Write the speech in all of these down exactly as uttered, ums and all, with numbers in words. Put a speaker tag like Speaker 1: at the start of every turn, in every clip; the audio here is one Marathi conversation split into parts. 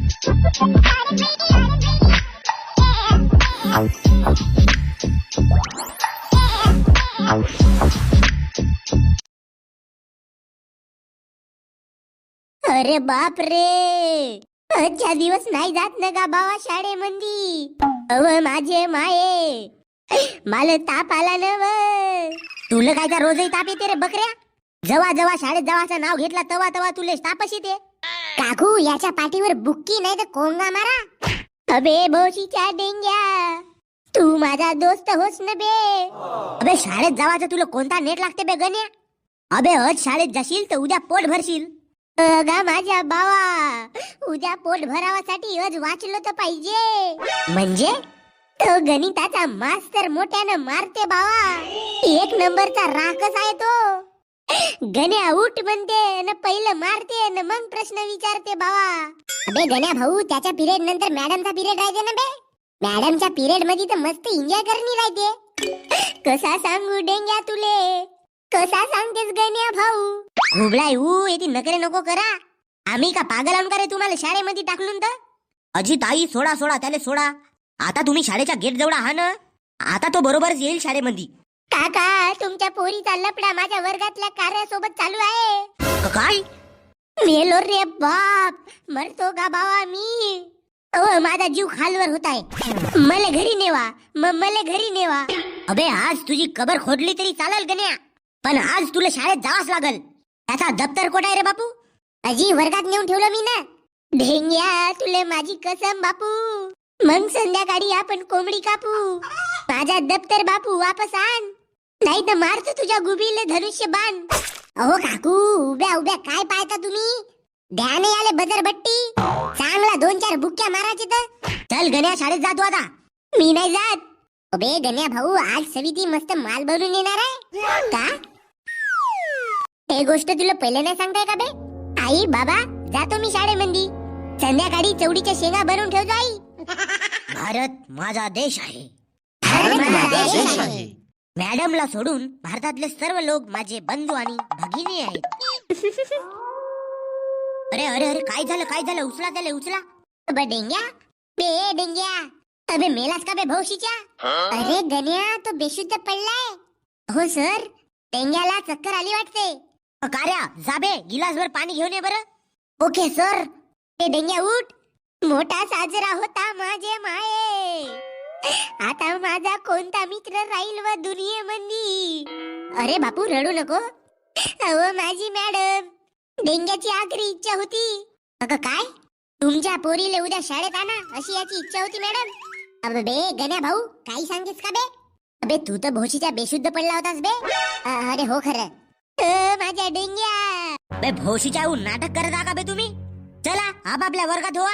Speaker 1: अरे बाप रे, अच्छा दिवस नाही जात ना का बाबा शाळेमंदी. अव माझे माये, मला ताप आला ना व. तुला काय का रोजही ताप येते रे बकऱ्या? जवा जवा शाळेत जावाचं नाव घेतला तवा तवा तुले तापच येते. काकू याच्या पाठीवर बुक्की नाही तर कोंगा मारा. अबे भोशीच्या डेंग्या, तू माझा दोस्त होस न बे. अबे शाळेत जावाचं तुला कोणता नेट लागते बे गण्या? अबे आज शाळेत जाशील तर उद्या पोट भरशील. अगा माझ्या बावा, उद्या पोट भरावासाठी आज वाचलं तर पाहिजे. म्हणजे तो गणिताचा मास्तर मोठ्यानं मारते बावा. एक नंबरचा राखस आहे तो. गण्या उठ म्हणते न पहिलं मारते न मग प्रश्न विचारते बावा. अबे गण्या भाऊ, त्याच्या पिरियड नंतर मॅडमचा पिरियड राहते ना बे. मॅडमच्या पिरियड मध्ये तर मस्त एन्जॉय करणी राहते. कसा सांगू डेंग्या तुले, कसा सांगतेस गण्या भाऊ? घुबळाय ऊ येती नकरे नको करा. आम्ही का पागल आम करे तुम्हाला शाळेमध्ये टाकलून तर? अजी ताई सोडा सोडा त्याला सोडा. आता तुम्ही शाळेच्या गेट जवळ आहा ना, आता तो बरोबरच येईल शाळेमध्ये. काका तुमच्या पोरीचा लपडा माझ्या वर्गातल्या कार्यासोबत चालू आहे. काय मेलो रे बाप, मरतो का बाबा मी? ओ माझा जीव खालवर होत आहे. मला घरी नेवा, म मला घरी नेवा. अबे आज तुझी कबर खोदली तरी चालेल गण्या, पण आज तुला शाळेत जावाच लागल. त्याचा दप्तर कोठ आहे रे बापू? अजी वर्गात नेऊन ठेवलं मी ना. ढेंग्या तुले माझी कसम बापू, मग संध्याकाळी आपण कोंबडी कापू. माझा दप्तर बापू वापस आण, नाही तर मारतो तुझ्या गुबीले धनुष्य बाण. अहो काकू, उभ्या उभ्या काय पाहता तुम्ही? ध्यान आले बजरबट्टी, चांगला दोन चार बुक्क्या मारायचे तर. चल गण्या शाळेत जातो आता. मी नाही जात. अबे गण्या भाऊ, आज सविती मस्त माल बनवून येणार आहे का? हे गोष्ट तुला पहिले नाही सांगताय का बे? आई बाबा जातो मी शाळेमध्ये. संध्याकाळी चवडीच्या शेंगा बनवून ठेवतो आई. भारत माझा देश आहे, भारत माझा देश आहे. मॅडमला सोडून भारतातले सर्व लोक माझे बंधू आणि भगिनी आहेत. अरे अरे अरे काय झालं काय झालं? उचला त्याला उचला. अबे डेंग्या, बे डेंग्या, अबे मेलास का बे भौशीच्या? अरे गण्या तो बेशुद्ध पडलाय. हो सर, डेंग्याला चक्कर आली वाटते. कार्या जाबे गिलासभर पाणी घेऊन ये बरं. Okay sir. ते डेंग्या उठ. मोठा साजरा होता माझे माये, आता माझा कोणता मित्र राहील व दुनियेमंदी? अरे बापू रडू नको. अहो माझी मॅडम, डेंग्याची आखरी इच्छा होती. अगं काय? तुमच्या पोरीले उद्या शाळेत आणा अशी याची इच्छा होती मॅडम. अबे बे गण्या भाऊ, काही सांगतेस का बे? अबे तू तर भोशीच्या बेशुद्ध पडला होतास बे. अरे हो खरं. माझ्या डेंग्या, बे भोशीच्या नाटक करत आहा का बे तुम्ही? चला आपापल्या वर्गात हो.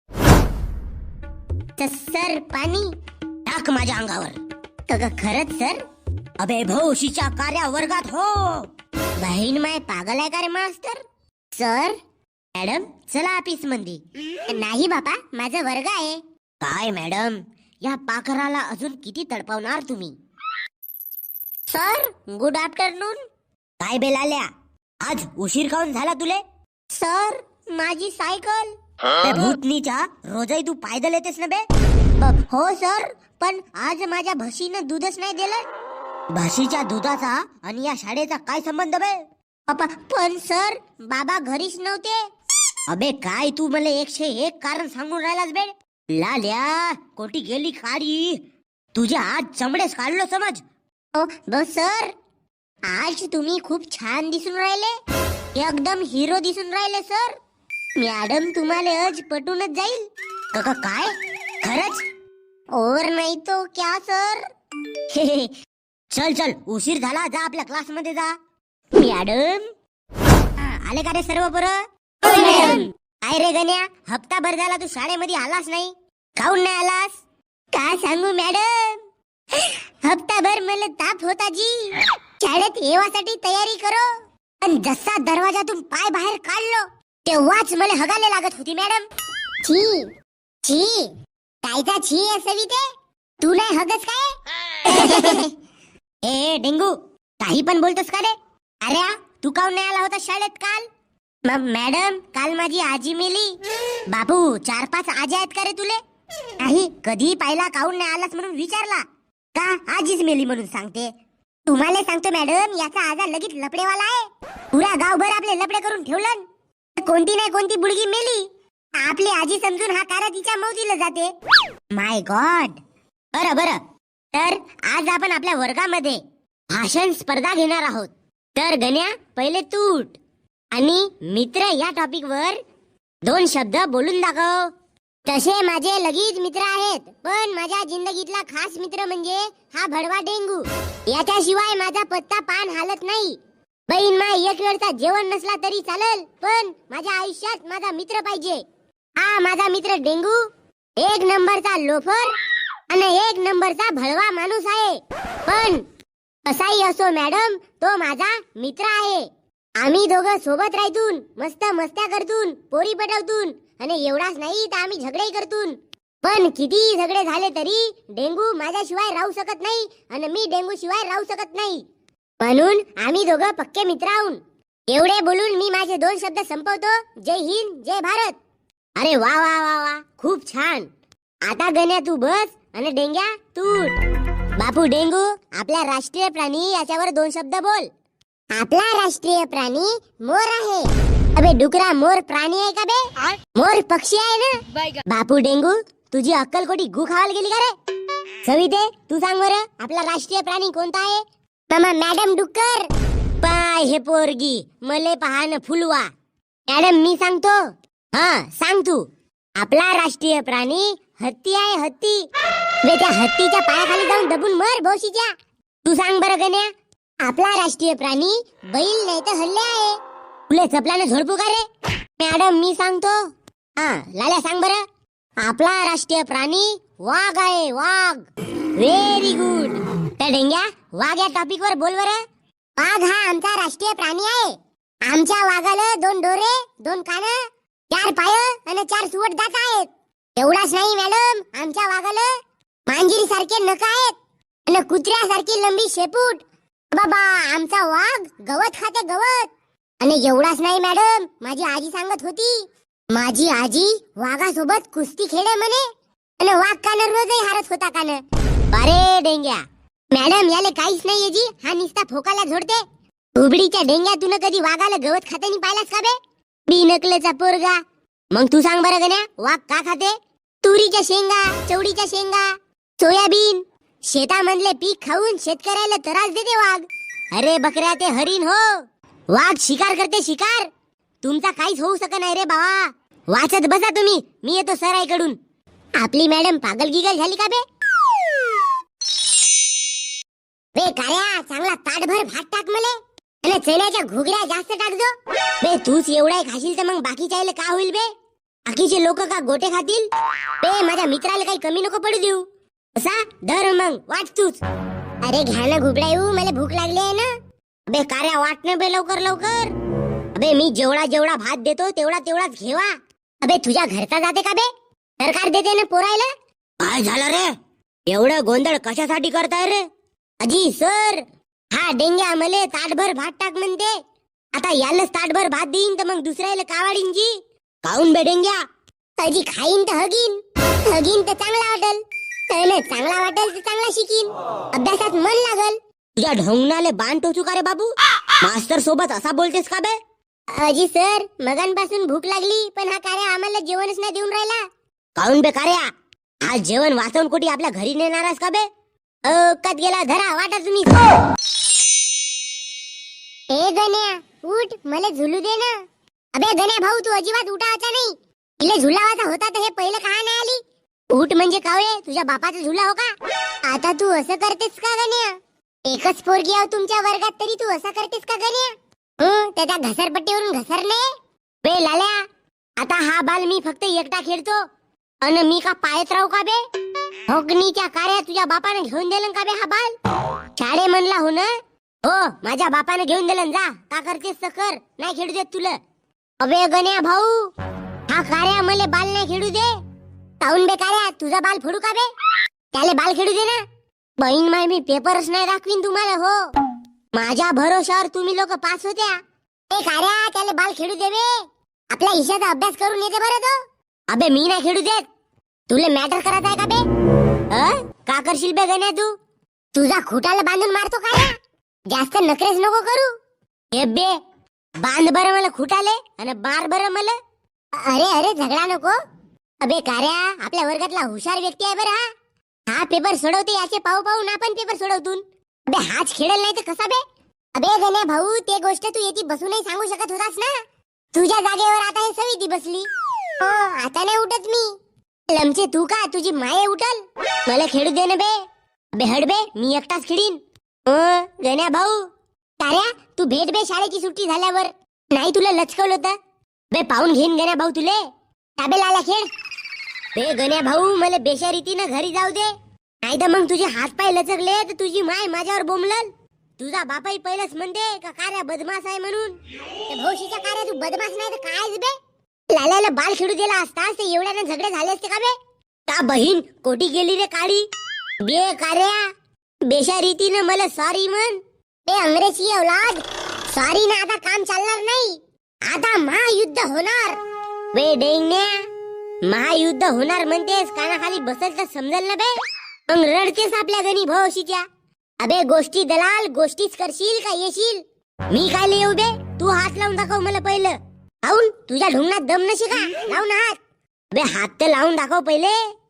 Speaker 1: सर पाणी टाक माझ्या अंगावर. खरंच सर? अबे भोशीच्या कार्या वर्गात हो. बहीण माय पागल आहे का रे मास्टर? सर मॅडम चला ऑफिस मध्ये. नाही बापा, माझा वर्ग आहे. काय मॅडम, या पाखराला अजून किती तडपावणार तुम्ही? Sir good afternoon. काय बेलाल्या, आज उशीर काऊन झाला तुले? सर माझी सायकल. भूतनीच्या रोजही तू पायदल येतेस ना बे? हो सर, पण आज माझ्या म्हशीनं दूधच नाही दिलं. म्हशीच्या दुधाचा आणि या शाळेचा काय संबंध बे? पण सर बाबा घरीच नव्हते. अबे काय तू मला एकशे एक कारण सांगून राहिलास बे? लाल्या कोटी गेली काळी, तुझ्या आज चमडेच काढलो समज. हो सर, आज तुम्ही खूप छान दिसून राहिले, एकदम हिरो दिसून राहिले सर. मॅडम तुम्हाला आज पटूनच जाईल. काका काय खरंच? और नाही तो क्या सर? चल चल उशीर झाला, जा आपल्या क्लास मध्ये जा. मॅडम आले का रे सर्व पोरं? काय रे गण्या, हप्ताभर झाला तू शाळेमध्ये आलास नाही, काऊन नाही आलास? काय सांगू मॅडम, हप्ताभर मला ताप होता जी. शाळेत येवासाठी तयारी करो, पण जसा दरवाजातून पाय बाहेर काढलो तेव्हाच मला हगाले लागत होती मॅडम. छी छी, कायचा छी आहे सविते? तू नाही हगस काय? ए डेंगू, काही पण बोलतोस का रे? अरे तू काऊन नाही आला होता शाळेत काल? मग मॅडम काल माझी आजी मेली. बापू चार पाच आजी आहेत का रे तुले? नाही, कधी पाहिला काऊन नाही आलास म्हणून विचारला का? आजीच मेली म्हणून सांगते. तुम्हाला सांगतो मॅडम, याचा आजार लगेच लपडेवाला आहे. पुरा गावभर आपले लपडे करून ठेवलं. कोणती नाही कोणती बुडगी मेली, आपली आजी समजून हा कारा तिच्या मौतीला जाते. My God. बरं बरं, तर आज आपण आपल्या वर्गामध्ये भाषण स्पर्धा घेणार आहोत. तर गण्या पहिले तूट आणि मित्र या टॉपिक वर दोन शब्द बोलून दाखव. तसे माझे लगीच मित्र आहेत, पण माझ्या जिंदगीतला खास मित्र म्हणजे हा भडवा डेंगू. याच्याशिवाय माझा पत्ता पान हालत नाही. बहीण मा एक वेळचा जेवण नसला तरी चालेल, पण माझ्या आयुष्यात माझा मित्र पाहिजे. हा माझा मित्र डेंगू एक नंबरचा लोफर आणि एक नंबरचा भडवा माणूस आहे. पण असाही असो मॅडम, तो माझा मित्र आहे. आम्ही दोघं सोबत राहतून, मस्त मस्त्या करतून, पोरी पटवतून, आणि एवढाच नाही तर आम्ही झगडे करतून. पण किती झगडे झाले तरी डेंगू माझ्याशिवाय राहू शकत नाही आणि मी डेंगू शिवाय राहू शकत नाही. म्हणून आम्ही दोघं पक्के मित्र आहोत. एवढे बोलून मी माझे दोन शब्द संपवतो. जय हिंद, जय भारत. अरे वा वा वा वा, खूप छान. आता गण्या तू बस आणि डेंग्या तूट. बापू डेंगू, आपला राष्ट्रीय प्राणी याच्यावर दोन शब्द बोल. आपला राष्ट्रीय प्राणी मोर आहे. अबे डुकरा, मोर प्राणी आहे का बे? मोर पक्षी आहे ना. बापू डेंगू, तुझी अक्कल कोटी गु खावायला गेली का रे? सविते तू सांग बरं, आपला राष्ट्रीय प्राणी कोणता आहे? मामा मॅडम डुक्कर. पाय हे पोरगी मले पहान फुलवा. मॅडम मी सांगतो. हा सांग तू. आपला राष्ट्रीय प्राणी हत्ती आहे, हत्ती. बे त्या हत्तीच्या पायाखाली जाऊन दबून मर भोशीच्या. तू सांग बरं गण्या. आपला राष्ट्रीय प्राणी बैल नाही तर हल्ले आहे. तुले चपलाने झोडपू का रे? मॅडम मी सांगतो. हा लाल्या सांग बरं. आपला राष्ट्रीय प्राणी वाघ आहे, वाघ. Very good. तर डेंग्या वाघ या टॉपिक वर बोल बरं. वाघ हा आमचा राष्ट्रीय प्राणी आहे. आमच्या वाघाला दोन डोरे, दोन कान, चार पाय आणि चार सुवट दात आहेत. एवढाच नाही मॅडम, आमच्या वाघाला मांजरी सारखे नख आहेत आणि कुत्र्यासारखी लंबी शेपूट. बाबा आमचा वाघ गवत खाते, गवत. आणि एवढाच नाही मॅडम, माझी आजी सांगत होती, माझी आजी वाघासोबत कुस्ती खेळे म्हणे आणि वाघ कान रोजही हारत होता कान. अरे डेंग्या, मॅडम याले काहीच नाहीये जी, हा निस्ता फोकाला झोडते. उबडीच्या डेंग्या, तुन कधी वाघाला गवत खातानी पाहिलास का बे? बिनकलेचा पोरगा. मग तू सांग बरं गण्या, वाघ का खाते? तुरीच्या शेंगा, चवडीच्या शेंगा, सोयाबीन, शेतामधले पीक खाऊन शेतकऱ्याला त्रास देते वाघ. अरे बकऱ्या, ते हरिण हो. वाघ शिकार करते, शिकार. तुमचा काहीच होऊ शकत नाही रे बाबा. वाचत बसा तुम्ही, मी येतो सराईकडून. आपली मॅडम पागल गिगल झाली का बे? बे कार्या, चांगला ताटभर भात टाक मले आणि चण्याच्या घुगऱ्या जास्त टाकजो. बे तूच एवढा खाशील तर मग बाकीच्याले का होईल बे? बाकीचे लोक का गोटे खातील? बे माझ्या मित्राला काही कमी नको पडू देऊ. असा धर मग, वाट तूच. अरे घ्या ना घुबडा येऊ, मला भूक लागली आहे ना. बे कार्या वाट ना बे, लवकर लवकर. अबे मी जेवढा जेवढा भात देतो तेवढा तेवढाच घेवा. अबे तुझ्या घरचा जाते का बे? सरकार देते ना पोरायला. काय झालं रे? एवढं गोंधळ कशासाठी करताय रे? अजी सर, हा डेंग्या मले ताटभर भात टाक म्हणते. आता यालाच ताटभर भात देईन तर मग दुसऱ्याला कावाडीन जी. काऊन बे डेंग्या? अजी खाईन तर हगीन, हगीन तर चांगला वाटल, चांगला वाटेल तर चांगला शिकीन, अभ्यासात मन लागल. तुझ्या ढोंगणाले बाण टोचू का रे बाबू? मास्तर सोबत असा बोलतेस का बे? अजी सर, मगांपासून भूक लागली, पण हा कार्या आम्हाला जेवणच नाही देऊन राहिला. काऊन बे कार्या? आज जेवण वाचवून कोटी आपल्या घरी नेणारस का बे? कत गेला, धरा वाटा तुम्ही. ए गण्या उठ, मला झुलू दे ना. अबे गण्या भाऊ, तू अजिबात उठायचा नाही. तिला झुलावाचा होता तर हे पहिलं का नाही आली? उठ म्हणजे कावळे, तुझ्या बापाचा झुला हो का? आता तू असं करतेस का गण्या? एकच पोरगी आहो तुमच्या वर्गात, तरी तू असं करतेस का गण्या? हं, त्याच्या घसरपट्टीवरून घसरणे. बे लाल्या, आता हा बाल मी फक्त एकटा खेळतो आणि मी का पायत राहू का बे? होकनीच्या कार्या तुझ्या बापाने घेऊन दिलं का बे हा बाल? शाळे म्हणला हो ना? हो, माझ्या बापाने घेऊन दिलं. जा, का करतेस तर कर, नाही खेळू देत तुला. अबे गण्या भाऊ, हा कार्या मले बाल नाही खेळू दे. काऊन बे कार्या, तुझा बाल फोडू का बे? त्याले बाल खेळू दे ना. बहीण माय, मी पेपरच नाही दाखवीन तुम्हाला. हो, माझ्या भरोशावर तुम्ही लोक पास होत्या ए कार्या त्याला बाल खेळू दे बे. आपल्या ईशाचा अभ्यास करून येते बरं तो. अबे मी नाही खेळू देत. तुला मॅटर करत आहे का बे? अ? का करशील बे गण्या तू? तुझा खुटाला बांधून मारतो कार्या. जास्त नखरेच नको करू. हे बे बांध बरं मला खुटाले आणि बार बरं मला. अरे अरे झगडा नको. अबे कार्या आपल्या वर्गातला हुशार व्यक्ती आहे बरं हा. हा पेपर सोडवते याचे पाहू पाहून आपण पेपर सोडवतून. अबे हाच खेळेल नाही तर कसा बे? अबे गण्या भाऊ ते गोष्ट तू येती बसूनही सांगू शकत होतास ना. तुझ्या जागेवर आता हे सविती बसली. हो आता नाही उठत मी. लमचे तू का तुझी माये उठल. मला खेळू दे ना बे. अबे हड बे मी एकटाच खेळीन. गण्या भाऊ कार्या तू भेट बे शाळेची सुट्टी झाल्यावर. नाही तुला लचकवलं होतं. बे पाहून घेईन गण्या भाऊ तुले. ताबे लाला खेळ. बे गण्या भाऊ मला बेशारीतीनं घरी जाऊ दे. नाही तर मग तुझे हात पाय लचकले तर तुझी माय माझ्यावर बोंबलल. तुझा बापाही पहिलंच म्हणते का कार्या बदमाश आहे म्हणून. त्या भाऊशीच्या कार्या तू बदमाश नाही तर काय बे. लाल्याला बाल खेळू दिला असतास तर एवढ्यानं झगडे झाले असते का बे? का बहीण कोटी गेली रे काळी. बे कार्या बेशारीतीनं मला सॉरी म्हण. बे अंग्रेजी औलाद सॉरी ना आता काम चालणार नाही. आता महायुद्ध होणार. बे डेंगण्या महायुद्ध होणार म्हणतेस कानाखाली बसल तर समजल ना बे. मग रडतेस आपल्या गणी भाऊशीच्या. अबे गोष्टी दलाल गोष्टीच करशील का येशील? मी काय येऊ बे. तू हात लावून दाखव मला पहिलं. लावून तुझ्या ढुंगणात दम नशी का? लावून हात. बे हात तर लावून दाखव पहिले.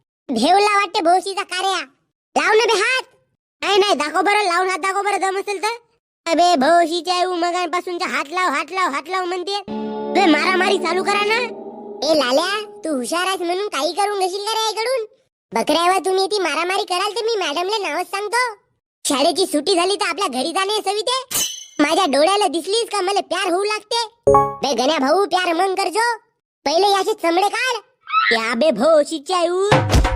Speaker 1: भेवला वाटते भाऊशीचा कार्या. लाव ना बे हात. नाही नाही दाखव बरं लावून हात दाखव बरं दम असेल तर. अबे भाऊशीच्या मगांपासूनच्या हात लाव हात लाव हात लाव म्हणते. बे मारामारी चालू करा ना. ए लाल्या तू हुशार आहेस म्हणून काही करून घेशील का रे आईकडून? बकऱ्यावर तुम्ही ती मारामारी कराल तर मी मॅडमला नावच सांगतो. शाळेची सुट्टी झाली तर आपल्या घरी जाणे सविते. माझ्या डोळ्याला दिसलीस का मला प्यार होऊ लागते. बे गण्या भाऊ प्यार मन करजो. पहिले याचे चमडे काढ. या बे भाऊशीच्या